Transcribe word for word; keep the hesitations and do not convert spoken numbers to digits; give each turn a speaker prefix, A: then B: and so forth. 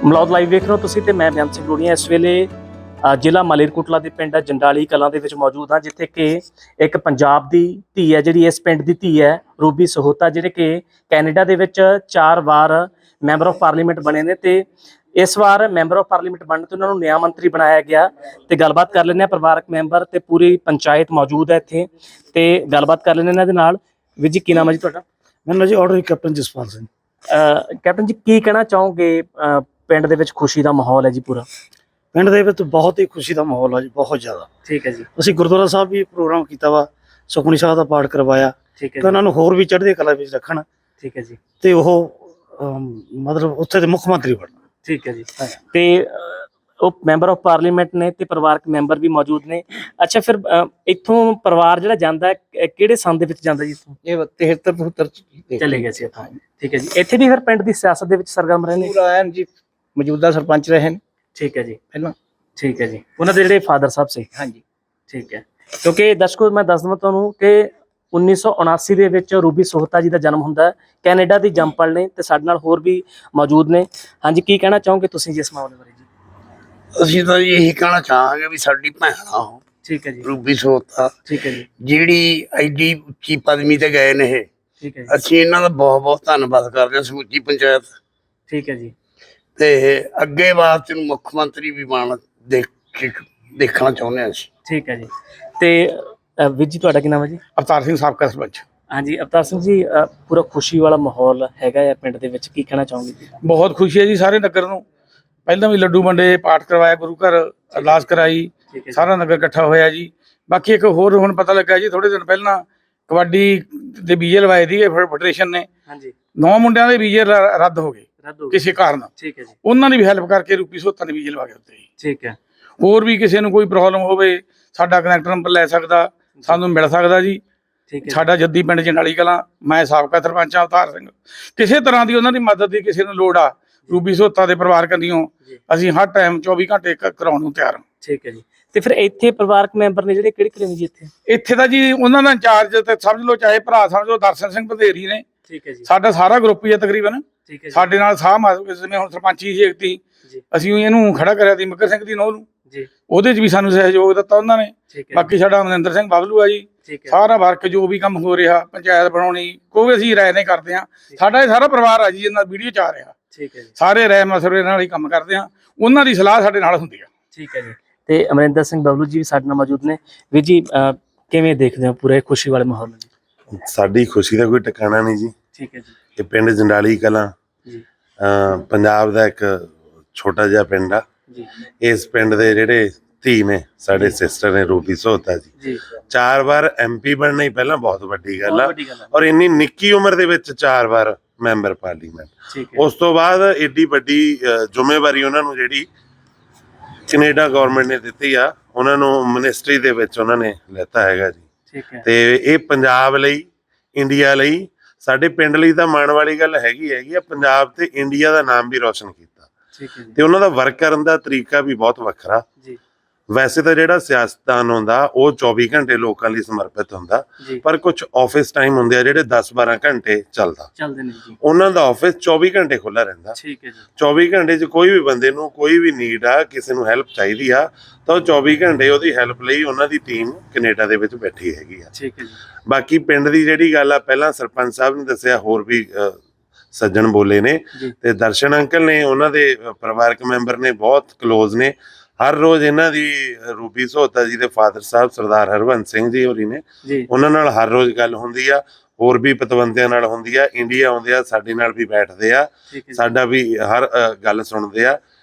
A: Malaud live ਵੇਖ ਰਹੇ ਹੋ ਤੁਸੀਂ ਤੇ ਮੈਂ ਬਿਆਨ ਸਿੰਘ ਲੋੜੀਆਂ। ਇਸ ਵੇਲੇ ਜ਼ਿਲ੍ਹਾ ਮਾਲੇਰਕੋਟਲਾ ਦੇ ਪਿੰਡ ਜੰਡਾਲੀ ਕਲਾਂ ਦੇ ਵਿੱਚ ਮੌਜੂਦ ਹਾਂ, ਜਿੱਥੇ ਕਿ ਇੱਕ ਪੰਜਾਬ ਦੀ ਧੀ ਹੈ, ਜਿਹੜੀ ਇਸ ਪਿੰਡ ਦੀ ਧੀ ਹੈ, ਰੂਬੀ ਸਹੋਤਾ, ਜਿਹੜੇ ਕਿ ਕੈਨੇਡਾ ਦੇ ਵਿੱਚ ਚਾਰ ਵਾਰ ਮੈਂਬਰ ਆਫ ਪਾਰਲੀਮੈਂਟ ਬਣੇ ਨੇ ਤੇ ਇਸ ਵਾਰ ਮੈਂਬਰ ਆਫ ਪਾਰਲੀਮੈਂਟ ਬਣਨ ਤੇ ਉਹਨਾਂ ਨੂੰ ਨਿਆਂ ਮੰਤਰੀ ਬਣਾਇਆ ਗਿਆ। ਤੇ ਗੱਲਬਾਤ ਕਰ ਲੈਂਦੇ ਹਾਂ, ਪਰਿਵਾਰਕ ਮੈਂਬਰ ਤੇ ਪੂਰੀ ਪੰਚਾਇਤ ਮੌਜੂਦ ਹੈ ਇੱਥੇ ਤੇ ਗੱਲਬਾਤ ਕਰ ਲੈਂਦੇ ਇਹਨਾਂ ਦੇ ਨਾਲ। ਵੀਰ ਜੀ, ਕੀ ਨਾਮ ਹੈ ਜੀ ਤੁਹਾਡਾ?
B: ਮੈਨੂੰ ਜੀ order captain Jaspal Singh.
A: Captain ji, ਕੀ ਕਹਿਣਾ ਚਾਹੋਗੇ? ਪਿੰਡ ਦੇ ਵਿੱਚ ਖੁਸ਼ੀ ਦਾ ਮਾਹੌਲ ਹੈ ਜੀ ਪੂਰਾ?
B: ਪਿੰਡ ਦੇ ਵਿੱਚ ਬਹੁਤ ਹੀ ਖੁਸ਼ੀ ਦਾ ਮਾਹੌਲ ਆ ਜੀ, ਬਹੁਤ ਜ਼ਿਆਦਾ।
A: ਠੀਕ ਹੈ ਜੀ। ਅਸੀਂ
B: ਗੁਰਦੁਆਰਾ ਸਾਹਿਬ ਵੀ ਪ੍ਰੋਗਰਾਮ ਕੀਤਾ ਵਾ, ਸੁਖਮਨੀ ਸਾਹਿਬ ਦਾ ਪਾਠ ਕਰਵਾਇਆ।
A: ਠੀਕ ਹੈ।
B: ਤੇ ਉਹਨਾਂ ਨੂੰ ਹੋਰ ਵੀ ਚੜ੍ਹਦੀ ਕਲਾ ਵਿੱਚ ਰੱਖਣ।
A: ਠੀਕ ਹੈ ਜੀ। ਤੇ
B: ਉਹ ਮਤਲਬ ਉੱਥੇ ਦੇ ਮੁੱਖ ਮੰਤਰੀ ਬਣਨ।
A: ਠੀਕ ਹੈ ਜੀ। ਤੇ ਉਹ ਮੈਂਬਰ ਆਫ ਪਾਰਲੀਮੈਂਟ ਨੇ ਤੇ ਪਰਿਵਾਰਕ ਮੈਂਬਰ ਵੀ ਮੌਜੂਦ ਨੇ। ਅੱਛਾ, ਫਿਰ ਇੱਥੋਂ ਪਰਿਵਾਰ ਜਿਹੜਾ ਜਾਂਦਾ ਕਿਹੜੇ ਸੰਨ ਦੇ ਵਿੱਚ ਜਾਂਦਾ ਜੀ? ਇੱਥੋਂ
B: ਇਹ ਤਿਹੱਤਰ ਬਹੱਤਰ
A: ਚਲੇ ਗਏ ਸੀ ਇੱਥੋਂ। ਠੀਕ ਹੈ ਜੀ। ਇੱਥੇ ਵੀ ਫਿਰ ਪਿੰਡ ਦੀ ਸਿਆਸਤ ਦੇ ਵਿੱਚ ਸਰਗਰਮ ਰਹੇ ਨੇ?
B: ਪੂਰਾ ਐਨ ਜੀ, ਮੌਜੂਦਾ ਸਰਪੰਚ ਰਹੇ ਨੇ।
A: ਠੀਕ ਹੈ ਜੀ।
B: ਪਹਿਲਾਂ
A: ਠੀਕ ਹੈ ਜੀ। ਉਹਨਾਂ ਦੇ ਜਿਹੜੇ ਫਾਦਰ ਸਾਹਿਬ ਸੀ?
B: ਹਾਂਜੀ।
A: ਠੀਕ ਹੈ। ਕਿਉਂਕਿ ਦਰਸ਼ਕੋ, ਮੈਂ ਦੱਸ ਦਵਾਂ ਤੁਹਾਨੂੰ ਕਿ ਉੱਨੀ ਸੌ ਉਨਾਸੀ ਦੇ ਵਿੱਚ ਰੂਬੀ ਸਹੋਤਾ ਜੀ ਦਾ ਜਨਮ ਹੁੰਦਾ। ਕੈਨੇਡਾ ਦੀ ਜੰਮਪਲ ਨੇ ਤੇ ਸਾਡੇ ਨਾਲ ਹੋਰ ਵੀ ਮੌਜੂਦ ਨੇ। ਹਾਂਜੀ, ਕੀ ਕਹਿਣਾ ਚਾਹੋਗੇ ਤੁਸੀਂ ਜੀ ਇਸ ਮਾਮਲੇ ਬਾਰੇ? ਜੀ
C: ਅਸੀਂ ਤਾਂ ਇਹੀ ਕਹਿਣਾ ਚਾਹਾਂਗੇ ਵੀ ਸਾਡੀ ਭੈਣ ਆ ਉਹ।
A: ਠੀਕ ਹੈ ਜੀ।
C: ਰੂਬੀ ਸਹੋਤਾ,
A: ਠੀਕ ਹੈ ਜੀ,
C: ਜਿਹੜੀ ਐਡੀ ਉੱਚੀ ਪਦਵੀ ਤੇ ਗਏ ਨੇ ਇਹ।
A: ਠੀਕ ਹੈ ਜੀ।
C: ਅਸੀਂ ਇਹਨਾਂ ਦਾ ਬਹੁਤ ਬਹੁਤ ਧੰਨਵਾਦ ਕਰਦੇ ਹਾਂ, ਸਮੁੱਚੀ ਪੰਚਾਇਤ।
A: ਠੀਕ ਹੈ ਜੀ।
C: ਤੇ ਅੱਗੇ ਵਾਸਤੇ ਨੂੰ ਮੁੱਖ ਮੰਤਰੀ ਵੀ ਬਣ ਦੇਖ ਦੇਖਣਾ ਚਾਹੁੰਦੇ ਹਾਂ ਅਸੀਂ।
A: ਠੀਕ ਹੈ ਜੀ। ਤੇ ਵੀਰ ਜੀ, ਤੁਹਾਡਾ ਕੀ ਨਾਮ ਹੈ ਜੀ?
B: ਅਵਤਾਰ ਸਿੰਘ, ਸਾਬਕਾ ਸਰਪੰਚ।
A: ਹਾਂਜੀ ਅਵਤਾਰ ਸਿੰਘ ਜੀ, ਪੂਰਾ ਖੁਸ਼ੀ ਵਾਲਾ ਮਾਹੌਲ ਹੈਗਾ ਹੈ ਪਿੰਡ ਦੇ ਵਿੱਚ, ਕੀ ਕਹਿਣਾ ਚਾਹੋਗੇ?
B: ਬਹੁਤ ਖੁਸ਼ੀ ਹੈ ਜੀ ਸਾਰੇ ਨਗਰ ਨੂੰ। ਪਹਿਲਾਂ ਵੀ ਲੱਡੂ ਵੰਡੇ, ਪਾਠ ਕਰਵਾਇਆ, ਗੁਰੂ ਘਰ ਅਰਦਾਸ ਕਰਾਈ, ਸਾਰਾ ਨਗਰ ਇਕੱਠਾ ਹੋਇਆ ਜੀ। ਬਾਕੀ ਇੱਕ ਹੋਰ ਹੁਣ ਪਤਾ ਲੱਗਾ ਜੀ, ਥੋੜੇ ਦਿਨ ਪਹਿਲਾਂ ਕਬੱਡੀ ਦੇ ਵੀਜ਼ੇ ਲਵਾਏ ਸੀਗੇ ਫੈਡਰੇਸ਼ਨ ਨੇ। ਹਾਂਜੀ। ਨੌ ਮੁੰਡਿਆਂ ਦੇ ਵੀਜ਼ੇ ਰੱਦ ਹੋ ਗਏ ਕਿਸੇ ਕਾਰਨ। ਠੀਕ ਹੈ ਜੀ। ਉਹਨਾਂ ਨੇ ਵੀ ਹੈਲਪ ਕਰਕੇ ਰੂਬੀ ਸਹੋਤਾ ਨੇ ਵੀਜ਼ੇ ਲਵਾ ਕੇ ਦਿੱਤੇ। ਠੀਕ ਹੈ। ਹੋਰ ਵੀ ਕਿਸੇ ਨੂੰ ਕੋਈ ਪ੍ਰੋਬਲਮ ਹੋਵੇ, ਸਾਡਾ ਕਨੈਕਟ ਨੰਬਰ ਲੈ ਸਕਦਾ, ਸਾਨੂੰ ਮਿਲ ਸਕਦਾ ਜੀ। ਸਾਡਾ ਜੱਦੀ ਪਿੰਡ ਜੰਡਾਲੀ ਕਲਾਂ, ਮੈਂ ਸਾਬਕਾ ਸਰਪੰਚ ਹਾਂ ਅਵਤਾਰ ਸਿੰਘ। ਕਿਸੇ ਤਰ੍ਹਾਂ ਦੀ ਉਹਨਾਂ ਦੀ ਮਦਦ ਦੀ ਕਿਸੇ ਨੂੰ ਲੋੜ ਆ, ਰੂਬੀ ਸਹੋਤਾ ਦੇ ਪਰਿਵਾਰ ਕੰਨਿਓ ਅਸੀਂ ਹਰ ਟਾਈਮ ਚੌਵੀ ਘੰਟੇ ਕਰਾਉਣ ਨੂੰ ਤਿਆਰ ਹਾਂ। ਠੀਕ ਹੈ ਜੀ। ਤੇ ਫਿਰ ਇੱਥੇ ਪਰਿਵਾਰਕ ਮੈਂਬਰ ਨੇ ਜਿਹੜੇ ਕਿਹੜੇ ਕਿਹੜੇ ਨੇ ਜੀ ਇੱਥੇ? ਇੱਥੇ ਦਾ ਜੀ ਉਹਨਾਂ ਦਾ ਇੰਚਾਰਜ ਤੇ ਸਮਝ ਲਓ, ਚਾਹੇ ਭਰਾ ਸਮਝ ਲਓ, ਦਰਸ਼ਨ ਸਿੰਘ ਵਧੇਰੀ ਨੇ। ਠੀਕ ਹੈ ਜੀ। ਸਾਡਾ ਸਾਰਾ ਗਰੁੱਪ ਹੀ ਹੈ ਤਕਰੀਬਨ। ਠੀਕ ਹੈ। ਸਾਡੇ ਨਾਲ ਸਾਹ ਜਿਵੇਂ ਹੁਣ ਸਰਪੰਚੀ ਸੀ ਇੱਕ, ਅਸੀਂ ਇਹਨੂੰ ਖੜਾ ਕਰਿਆ ਸੀ ਮੱਕਰ ਸਿੰਘ ਦੀ ਨੌਂ ਨੂੰ ਜੀ, ਉਹਦੇ ਚ ਵੀ ਸਾਨੂੰ ਸਹਿਯੋਗ ਦਿੱਤਾ ਉਹਨਾਂ ਨੇ। ਬਾਕੀ ਸਾਡਾ ਮਨਿੰਦਰ ਸਿੰਘ ਬਬਲੂ ਆ ਜੀ। ਸਾਰਾ ਵਰਕ ਜੋ ਵੀ ਕੰਮ ਹੋ ਰਿਹਾ, ਪੰਚਾਇਤ ਬਣਾਉਣੀ, ਕੋਈ ਅਸੀਂ ਰਾਏ ਨੇ ਕਰਦੇ ਹਾਂ। ਸਾਡਾ ਇਹ ਸਾਰਾ ਪਰਿਵਾਰ ਆ ਜੀ, ਇਹਨਾਂ ਵੀਡੀਓ ਚ ਆ ਰਿਹਾ। ਠੀਕ ਹੈ ਜੀ। ਸਾਰੇ ਰਾਏ ਮਸਲੇ ਨਾਲ ਹੀ ਕੰਮ ਕਰਦੇ ਹਾਂ, ਉਹਨਾਂ ਦੀ ਸਲਾਹ ਸਾਡੇ ਨਾਲ ਹੁੰਦੀ ਆ। ਠੀਕ ਹੈ ਜੀ। ਤੇ ਅਮਰਿੰਦਰ ਸਿੰਘ ਬਬਲੂ ਜੀ ਵੀ ਸਾਡੇ ਨਾਲ ਮੌਜੂਦ ਨੇ। ਵੀਰ ਜੀ, ਕਿਵੇਂ ਦੇਖਦੇ ਹੋ ਪੂਰੇ ਖੁਸ਼ੀ ਵਾਲੇ ਮਾਹੌਲ ਨੂੰ?
D: ਸਾਡੀ ਖੁਸ਼ੀ ਦਾ ਕੋਈ ਟਿਕਾਣਾ ਨਹੀਂ ਜੀ। ਠੀਕ ਹੈ ਜੀ। ਇਹ ਪਿੰਡ ਜੰਡਾਲੀ ਕਲਾਂ ਪੰਜਾਬ ਦਾ ਇੱਕ ਛੋਟਾ ਜਿਹਾ ਪਿੰਡ ਆ ਜੀ। ਇਸ ਪਿੰਡ ਦੇ ਜਿਹੜੇ ਧੀ ਨੇ, ਸਾਡੇ ਸਿਸਟਰ ਨੇ ਰੂਬੀ ਸਹੋਤਾ ਜੀ, ਚਾਰ ਵਾਰ ਐਮ ਪੀ ਬਣਨਾ ਹੀ ਪਹਿਲਾਂ ਬਹੁਤ ਵੱਡੀ ਗੱਲ ਆ। ਔਰ ਇੰਨੀ ਨਿੱਕੀ ਉਮਰ ਦੇ ਵਿੱਚ ਚਾਰ ਵਾਰ ਮੈਂਬਰ ਪਾਰਲੀਮੈਂਟ, ਉਸ ਤੋਂ ਬਾਅਦ ਏਡੀ ਵੱਡੀ ਜ਼ਿੰਮੇਵਾਰੀ ਉਹਨਾਂ ਨੂੰ ਜਿਹੜੀ ਕੈਨੇਡਾ ਗਵਰਨਮੈਂਟ ਨੇ ਦਿੱਤੀ ਆ, ਉਹਨਾਂ ਨੂੰ ਮਿਨਿਸਟਰੀ ਦੇ ਵਿੱਚ ਉਹਨਾਂ ਨੇ ਲੈਤਾ ਹੈਗਾ ਜੀ। ਤੇ ਇਹ ਪੰਜਾਬ ਲਈ, ਇੰਡੀਆ ਲਈ, ਸਾਡੇ ਪਿੰਡ ਲਈ ਤਾਂ ਮਾਣ ਵਾਲੀ ਗੱਲ ਹੈਗੀ ਹੈਗੀ ਆ। ਪੰਜਾਬ ਤੇ ਇੰਡੀਆ ਦਾ ਨਾਮ ਵੀ ਰੋਸ਼ਨ ਕੀਤਾ। ਤੇ ਉਹਨਾਂ ਦਾ ਵਰਕ ਕਰਨ ਦਾ ਤਰੀਕਾ ਵੀ ਬਹੁਤ ਵੱਖਰਾ। ਵੈਸੇ ਤਾਂ ਜਿਹੜਾ ਸਿਆਸਤਦਾਨ ਹੁੰਦਾ ਉਹ ਚੌਵੀ ਘੰਟੇ ਲੋਕਾਂ ਲਈ ਸਮਰਪਿਤ ਹੁੰਦਾ, ਪਰ ਕੁਝ ਆਫਿਸ ਟਾਈਮ ਹੁੰਦੇ ਆ ਜਿਹੜੇ ਦਸ ਬਾਰਾਂ ਘੰਟੇ ਚੱਲਦਾ, ਉਹਨਾਂ ਦਾ ਆਫਿਸ ਚੌਵੀ ਘੰਟੇ ਖੁੱਲਾ ਰਹਿੰਦਾ। ਚੌਵੀ ਘੰਟੇ 'ਚ ਕੋਈ ਵੀ ਬੰਦੇ ਨੂੰ ਕੋਈ ਵੀ ਨੀਡ ਆ, ਕਿਸੇ ਨੂੰ ਹੈਲਪ ਚਾਹੀਦੀ ਆ, ਤਾਂ ਉਹ ਚੌਵੀ ਘੰਟੇ ਉਹਦੀ ਹੈਲਪ ਲਈ ਉਹਨਾਂ ਦੀ ਟੀਮ ਕੈਨੇਡਾ ਦੇ ਵਿੱਚ ਬੈਠੀ ਹੈਗੀ ਆ। ਬਾਕੀ ਪਿੰਡ ਦੀ ਜਿਹੜੀ ਗੱਲ ਆ, ਪਹਿਲਾਂ ਸਰਪੰਚ ਸਾਹਿਬ ਨੇ ਦੱਸਿਆ, ਹੋਰ ਵੀ ਸੱਜਣ ਬੋਲੇ ਨੇ, ਤੇ ਦਰਸ਼ਨ ਅੰਕਲ ਨੇ, ਉਹਨਾਂ ਦੇ ਪਰਿਵਾਰਕ ਮੈਂਬਰ ਨੇ, ਬਹੁਤ ਕਲੋਜ਼ ਨੇ। ਹਰ ਰੋਜ਼ ਇਹਨਾਂ ਦੀ ਰੂਬੀ ਸਹੋਤਾ ਜੀ ਦੇ ਫਾਦਰ ਸਾਹਿਬ ਸਰਦਾਰ ਹਰਵੰਤ ਸਿੰਘ ਜੀ ਹੋਰੀ ਨੇ, ਉਹਨਾਂ ਨਾਲ ਹਰ ਰੋਜ਼ ਗੱਲ ਹੁੰਦੀ ਆ। ਹੋਰ ਵੀ ਪਤਵੰਤਿਆਂ ਨਾਲ ਹੁੰਦੀ ਆ, ਇੰਡੀਆ ਆਉਂਦੇ ਆ, ਸਾਡੇ ਨਾਲ ਵੀ ਬੈਠਦੇ ਆ, ਸਾਡਾ ਵੀ ਹਰ ਗੱਲ ਸੁਣਦੇ ਆ।